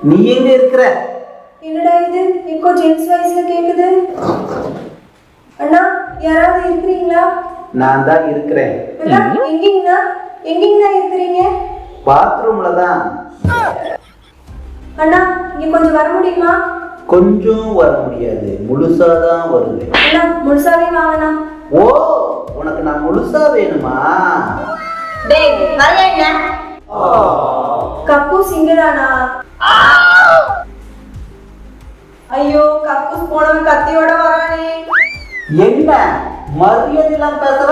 நீ எங்க இருக்கிற? என்னடா இது இப்போ ஜென்ஸ் வாய்ஸ்ல கேக்குது? அண்ணா யாராவது இருக்கிறீங்களா? நான் தான் இருக்கிறேன். அண்ணா எங்கீங்கண்ணா இருக்கிறீங்க? பாத்ரூம்ல தான். அண்ணா இங்க கொஞ்சம் வர முடியுமா? கொஞ்சம் வர முடியாது, முழுசாதான் வருவேன். அண்ணா முழுசாவே வாங்கண்ணா. ஓ, உனக்கு நான் முழுசா வேணுமா? டேய் வரலையா? கக்கூஸ் இங்கதானா? ஐயோ கக்கூஸ் போனவன் கத்தியோட வரானே. என்ன மரியாதை எல்லாம் பேசுற?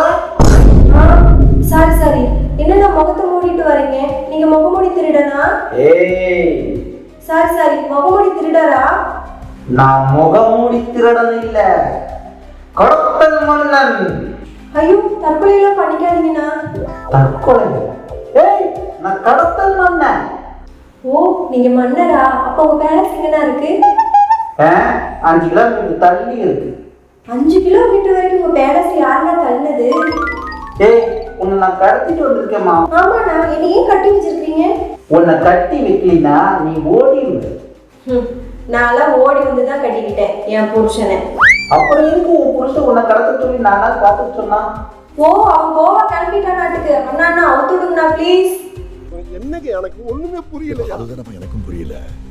சாரி என்னண்ணா முகத்தை மூடிட்டு வரீங்க? நீங்க முகமூடி திருடனா? ஏய் சாரி முகமூடி திருடரா? நான் முகமூடி திருடன் இல்ல, கடத்தல் மன்னன். ஐயோ தற்கொலை எல்லாம் பண்ணிக்காதீங்கண்ணா. தற்கொலை? ஏய் நான் கடத்தல் மன்னன். ஓ நீங்க மன்னரா? அப்ப உங்க பேலஸ் எங்கண்ணா இருக்கு? 5 கிலோமீட்டர் தள்ளி இருக்கு. 5 கிலோமீட்டர் வரைக்கும் உங்க பேலஸ் யாருன்னா தள்ளினது? ஏய் உன்னை நான் கடத்திட்டு வந்திருக்கேம்மா. ஆமாண்ணா, என்ன ஏன் கட்டி வச்சிருக்கீங்க? உன்னை கட்டி வைக்கலினா நீ ஓடிடுவ. நான்லாம் ஓடி வந்து தான் கட்டிக்கிட்டேன் என் புருஷனை. அப்புறம் எதுக்கு உன் புருஷன் உன்னை கடத்த சொல்லி நானா காத்துட்டு சொன்னா? ஓ அவன் கோவா கிளம்பிட்டான் நாட்டுக்கு. அண்ணா அவுத்து விடுங்கண்ணா ப்ளீஸ். என்னங்க எனக்கு ஒண்ணுமே புரியல. அதுதான் எனக்கும் புரியல.